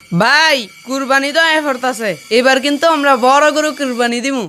ভাই কুরবানি তো এফর্ট আছে, এবার কিন্তু আমরা বড় গরু কুরবানি দিমু।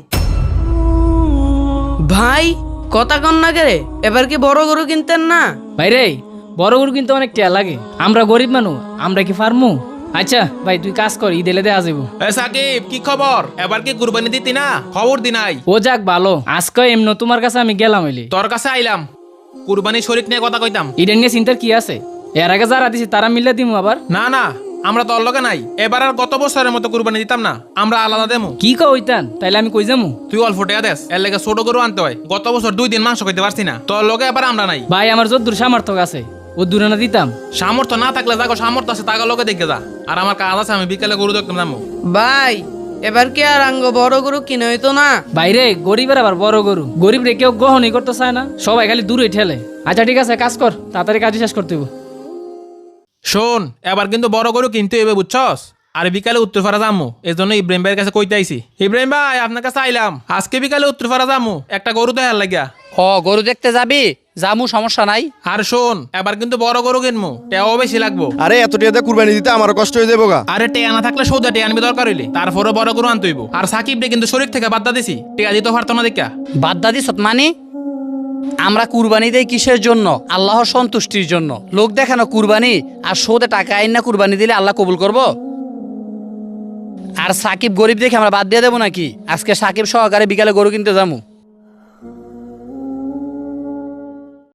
ভাই কথা কন না কে, এবার কি বড় গরু কিনতেন না? ভাই রে, বড় গরু কিন্তু অনেক টিয়া লাগে, আমরা গরিব মানুষ, আমরা কি পারমু? আচ্ছা ভাই তুই কাজ কর, ঈদ এলে দেয়া যাবো। এ সাকিব, কি খবর? এবার কি কুরবানি দিতি না? খবর দি নাই। ও যাক ভালো, আজকে এমন তোমার কাছে আমি গেলাম হইলি, তোর কাছে আইলাম কুরবানি শরীক নিয়ে কথা কইতাম। ঈদের নিয়ে চিন্তার কি আছে? এর আগে যারা দিছি তারা মিলে দিমু আবার। না না, আমরা তোর লগে নাই। এবার আর গত বছরের মতো কুরবানি দিতাম না, আমরা আলাদা দেমু। কি কইতান তাইলে আমি কই যামু? তুই অল্প টাকা দেস, এর লেগে ছোট গরু আনতে হয়। গত বছর 2 দিন মাংস খাইতে পারছি না, তোর লগে এবার আমরা নাই। ভাই আমার যদ্দূর সামর্থ্য আছে ও দূরে না দিতাম। সামর্থ্য না থাকলে যাগো সামর্থ্য আছে তাকে লগে দেখে যা। আর আমার কাজ আছে, আমি বিকেলে গরু দেখতাম যাবো। ভাই এবার কি আর আঙ্গ বড় গরু কিনে হইতো না? বাইরে গরিবের আবার বড় গরু, গরিব রে কেউ গ্রহণই করতে চায় না, সবাই খালি দূরে ঠেলে। আচ্ছা ঠিক আছে, কাজ কর, তাড়াতাড়ি কাজ শেষ করতে হইব। শোন, এবার কিন্তু বড় গরু কিনতে হইবে, বুঝছস? আর বিকালে উত্তরপাড়া যামু, এই জন্য ইব্রাহিম ভাইয়ের কাছে কইতে আইছি। ইব্রাহিম ভাই, আপনার কাছে আইলাম, আজকে বিকালে উত্তরপাড়া যামু, একটা গরু দেখার লাগিয়া। ও গরু দেখতে যাবি? যামু, সমস্যা নাই। আর শোন, এবার কিন্তু বড় গরু কিনবো, টেয়াও বেশি লাগবো। আরে এত টাকা কুরবানি দিতে আমারও কষ্ট হয়ে যাবো গা। আরে টেয়া না থাকলে সৌদা টেয়া আনবি দরকার হইলে, তারপরে বড় গরু আনতে হইব। আর সাকিব রে কিন্তু শরীর থেকে বাদ দিছি, টেয়া দিতে পারতো না দেখা। বাদদাদি সৎমানি, আমরা কুরবানি দেই কিসের জন্য? আল্লাহর সন্তুষ্টির জন্য। লোক দেখানো কুরবানি আর সোদে টাকা আইন না কুরবানি দিলে আল্লাহ কবুল করব? আর সাকিব গরিব দেখে আমরা বাদ দিয়ে দেবো নাকি? আজকে সাকিব সহকারে বিকালে গরু কিনতে যাবো।